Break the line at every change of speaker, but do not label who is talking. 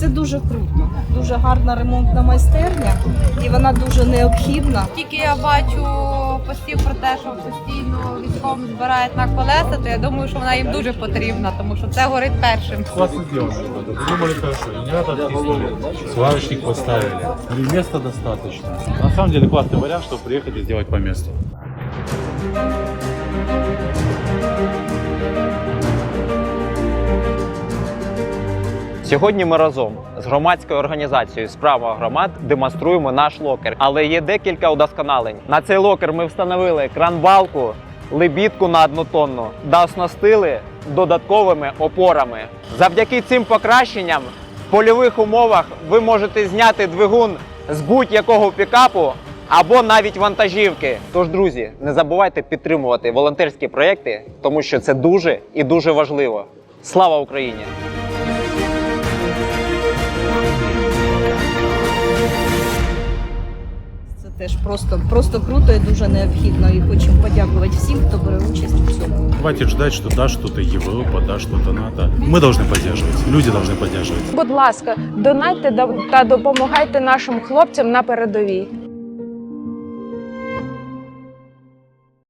Це дуже круто, дуже гарна ремонтна майстерня і вона дуже необхідна.
Тільки я бачу постів про те, що постійно військовим збирають на колеса, то я думаю, що вона їм дуже потрібна, тому що це горить першим.
Классно сделано. Придумали хорошо. И не надо оттиснули. Сварочник поставили. И места достаточно. На самом деле классный вариант, чтобы приехать и сделать по месту.
Сьогодні ми разом з громадською організацією «Справа громад» демонструємо наш локер. Але є декілька удосконалень. На цей локер ми встановили кран-балку, лебідку на 1 тонну та оснастили додатковими опорами. Завдяки цим покращенням в польових умовах ви можете зняти двигун з будь-якого пікапу або навіть вантажівки. Тож, друзі, не забувайте підтримувати волонтерські проєкти, тому що це дуже і дуже важливо. Слава Україні!
Це теж просто круто і дуже необхідно. І хочемо подякувати всім, хто бере участь у цьому.
Хватит ждать, что да, что-то Европа, да, что-то НАТО. Мы должны поддерживать. Люди должны поддерживать.
Будь ласка, донайте та допомагайте нашим хлопцям на передовій.